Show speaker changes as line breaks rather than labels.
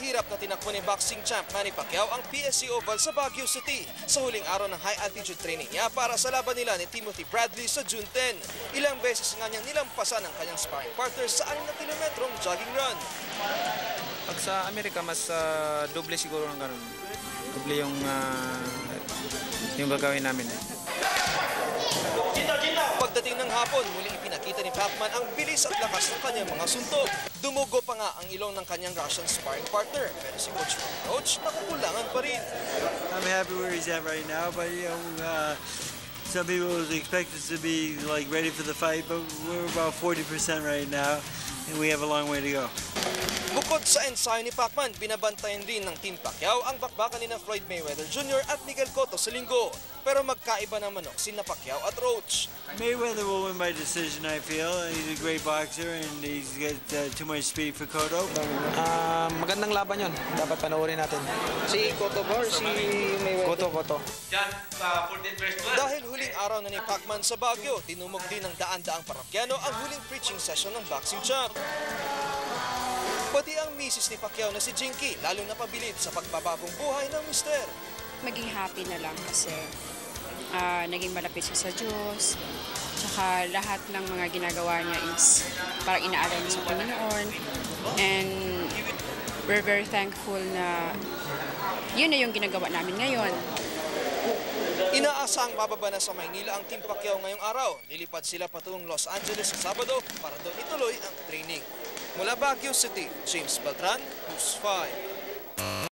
mahirap na tinakbo ni boxing champ Manny Pacquiao ang PSC Oval sa Baguio City sa huling araw ng high-altitude training niya para sa laban nila ni Timothy Bradley sa June 10. Ilang beses nga niyang nilampasan ang kanyang sparring partner sa 6 na kilometrong jogging run.
Pag sa Amerika, mas doble siguro ng ganun. Doble yung gagawin namin.
Pagdating ng hapon, muling ipinakita ni Pacman ang bilis at lakas ng kanyang mga suntok. Dumugo pa nga ang ilong ng kanyang Russian sparring partner. Pero si Coach nakukulangan pa rin.
I'm happy where he's at right now, but some people expect us to be like ready for the fight, but we're about 40% right now, and we have a long way to go.
Bukod sa ensayo ni Pacman, binabantayan rin ng Team Pacquiao ang bakbakan ni Floyd Mayweather Jr. at Miguel Cotto sa linggo. Pero magkaiba ng manok sina Pacquiao at Roach.
Mayweather will win by decision, I feel. He's a great boxer and he's got too much speed for Cotto.
Magandang laban yon. Dapat panoorin natin.
Si Cotto ba or si Mayweather?
Cotto.
Dahil huling araw na ni Pacman sa Baguio, tinumog din ng daan-daang parokyano ang huling preaching session ng boxing champ. Pati ang misis ni Pacquiao na si Jinky, lalo napabilib sa pagbabagong buhay ng mister.
Maging happy na lang kasi naging malapit siya sa Diyos. Tsaka lahat ng mga ginagawa niya is parang inaalala niya sa Panginoon. And we're very thankful na yun na yung ginagawa namin ngayon.
Inaasang mababa na sa Maynila ang Team Pacquiao ngayong araw. Lilipad sila patungong Los Angeles sa Sabado para doon ituloy ang training. Mula Baguio City, James Beltran, News 5.